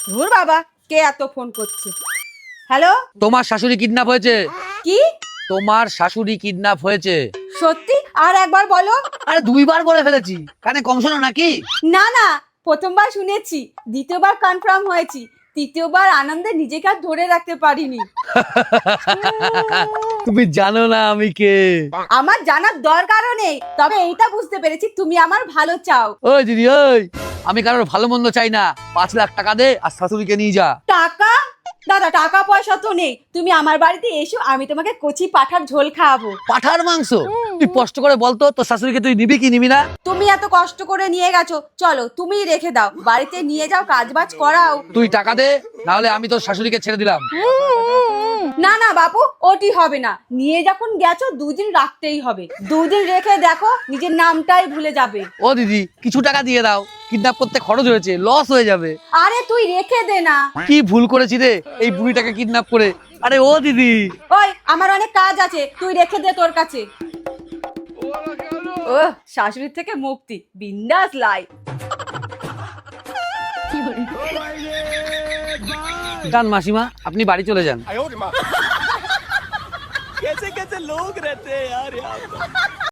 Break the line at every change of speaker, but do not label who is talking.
ধুর বাবা, কে এত ফোন করছে? হ্যালো,
তোমার শাশুড়ি কিডন্যাপ হয়েছে।
কি?
তোমার শাশুড়ি কিডন্যাপ হয়েছে।
সত্যি? আর একবার বলো।
আরে 2বার বলে ফেলেছি, কানে কম শোনো নাকি?
না না, প্রথমবার শুনেছি, দ্বিতীয়বার কনফার্ম হয়েছি, তৃতীয়বার আনন্দে নিজেকে আর ধরে রাখতে পারিনি।
তুমি জানো না আমি কে?
আমার জানার দরকারও নেই, তবে এইটা বুঝতে পেরেছি তুমি আমার ভালো চাও।
ওই দিদি ওই, আমি কারোর ভালো মন্দ চাই না। 5 লাখ টাকা দে আর শাশুড়িকে নিয়ে যা।
টাকা? দাদা, টাকা পয়সা তো নেই, তুমি আমার বাড়িতে এসো, আমি তোমাকে কচি পাঠার ঝোল খাওয়াবো।
পাঠার মাংস? তুই কষ্ট করে বলতো তোর শাশুড়িকে তুই নিবি কি নিবি না?
তুমি এত কষ্ট করে নিয়ে গেছো, চলো তুমিই রেখে দাও, বাড়িতে নিয়ে যাও, কাজবাজ করাও।
তুই টাকা দে, নাহলে আমি তোর শাশুড়িকে ছেড়ে দিলাম।
না না বাপু, ওটি হবে না, নিয়ে যখন গেছো 2 দিন রাখতেই হবে, 2 দিন রেখে দেখো নিজের নামটাই ভুলে যাবে।
ও দিদি, কিছু টাকা দিয়ে দাও, কিডন্যাপ করতে খরচ হয়েছে, লস হয়ে যাবে।
আরে তুই রেখে দে না।
কি ভুল করেছি রে এই বুড়িটাকে কিডন্যাপ করে। আরে ও দিদি,
ওই, আমার অনেক কাজ আছে, তুই রেখে দে তোর কাছে। ও, শাশুড়ির থেকে মুক্তি, বিন্দাস লাইফ।
যান মাসিমা, আপনি বাড়ি চলে যান।
कैसे कैसे लोग रहते हैं यार यहाँ पे।